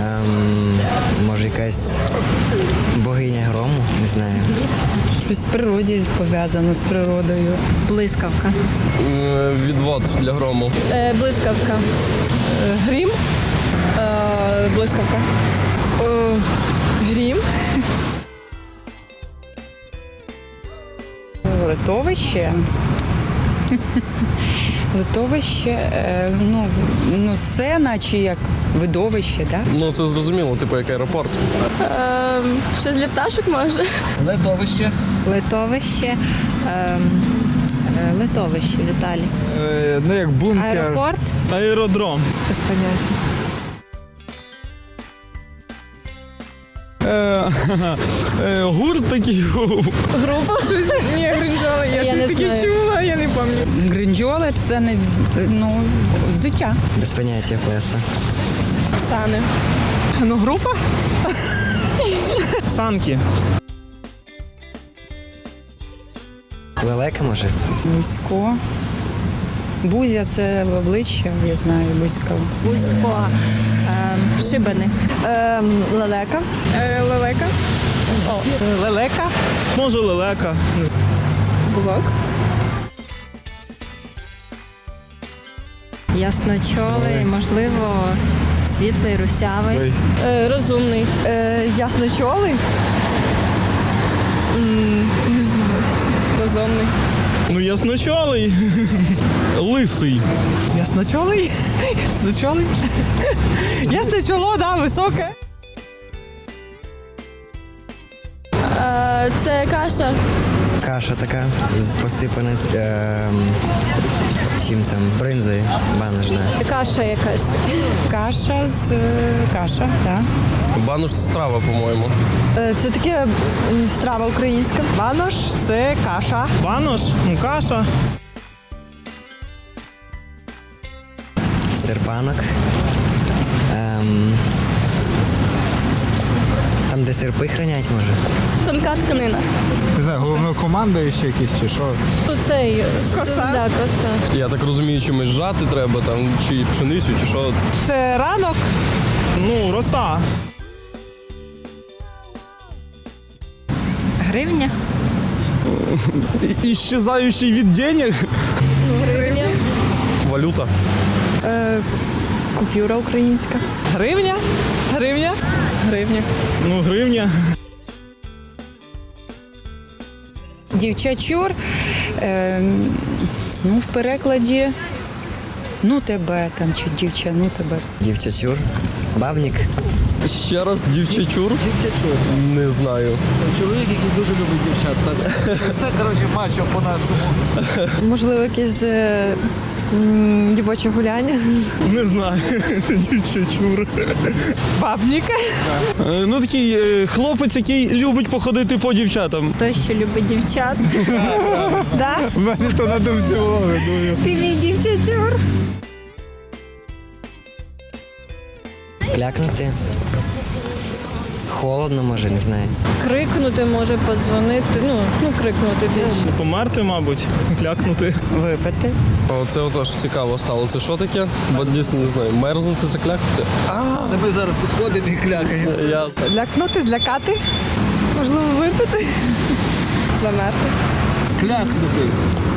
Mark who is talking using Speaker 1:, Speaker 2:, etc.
Speaker 1: Може, якась богиня грому, не знаю.
Speaker 2: Щось в природі пов'язано з природою.
Speaker 3: Блискавка.
Speaker 4: Відвод для грому.
Speaker 3: Блискавка.
Speaker 5: Грім.
Speaker 3: Блискавка.
Speaker 5: Грім.
Speaker 2: Литовище. Литовище, сцена чи як видовище, так?
Speaker 4: Ну, це зрозуміло, типу як аеропорт.
Speaker 3: Щось для пташок може.
Speaker 4: Литовище.
Speaker 3: Литовище. Литовище, Віталій.
Speaker 6: Ну, як бункер.
Speaker 3: Аеропорт.
Speaker 6: Аеродром.
Speaker 5: Без поняття.
Speaker 6: Гурт такий.
Speaker 5: Група щось. Ні, гринджоли. Я щось таке чула, я не пам'ятаю.
Speaker 2: Гринджоли – це не взуття.
Speaker 1: Без поняття плеса.
Speaker 3: Сани.
Speaker 5: Ну, група?
Speaker 6: Санки.
Speaker 1: Лелека, може?
Speaker 2: Бузько. Бузя – це в обличчя, я знаю, бузько.
Speaker 3: Бузько. Шибеник.
Speaker 5: Лелека. Лелека.
Speaker 3: Лелека.
Speaker 6: Може, лелека.
Speaker 5: Бузок.
Speaker 3: Ясночолий, можливо, світлий, русявий. Розумний.
Speaker 5: Ясночолий. Не знаю.
Speaker 3: Розумний.
Speaker 6: Ну, ясночолий. Лисий.
Speaker 5: Ясночолий? Ясночолий? Ясне чоло, да, високе.
Speaker 3: Це каша.
Speaker 1: Каша така, посипана чим там, бринзою, банош, да.
Speaker 3: Каша якась.
Speaker 2: Каша, так.
Speaker 4: Банош страва, по-моєму.
Speaker 5: Це таке страва українська. Банош – це каша.
Speaker 6: Банош? Ну, каша.
Speaker 1: Серпанок. Там, де серпи хранять, може?
Speaker 3: Тонка тканина.
Speaker 6: Не знаю, головнокомандуючий якийсь чи що.
Speaker 3: Цей.
Speaker 5: Коса.
Speaker 3: Да, коса.
Speaker 4: Я так розумію, чимось жати треба, там, чи пшеницю, чи що.
Speaker 5: Це ранок.
Speaker 6: Ну, роса.
Speaker 3: Гривня.
Speaker 6: Іщезаючий від денег.
Speaker 3: Гривня.
Speaker 4: Валюта.
Speaker 5: Купюра українська. Гривня. Гривня. Гривня.
Speaker 6: Ну, гривня.
Speaker 2: Дівчачур, в перекладі, тебе там, чи дівча, тебе.
Speaker 1: Дівчачур. Бабник.
Speaker 4: Ще раз, дівчачур?
Speaker 7: Дівчачур.
Speaker 4: Не знаю.
Speaker 7: Це чоловік, який дуже любить дівчат. Це, коротше, мачо по-нашому.
Speaker 5: Можливо, якесь дівоче гуляння.
Speaker 6: Не знаю. Дівчачур.
Speaker 5: Бабник.
Speaker 6: Ну, такий хлопець, який любить походити по дівчатам.
Speaker 3: Той, що любить дівчат. Да?
Speaker 6: У мене то на думці було, думаю.
Speaker 3: Ти мій дівчачур.
Speaker 1: Клякнути. Холодно, може, не знаю.
Speaker 3: Крикнути може, подзвонити. Крикнути більше.
Speaker 6: Померти, мабуть, клякнути.
Speaker 2: Випити.
Speaker 4: Оце отож цікаво стало. Це що таке? Бо дійсно не знаю. Мерзнути, заклякати?
Speaker 7: Це ми зараз тут ходимо і клякаємо.
Speaker 4: Я...
Speaker 5: Лякнути, злякати. Можливо, випити. Замерти.
Speaker 7: Клякнути.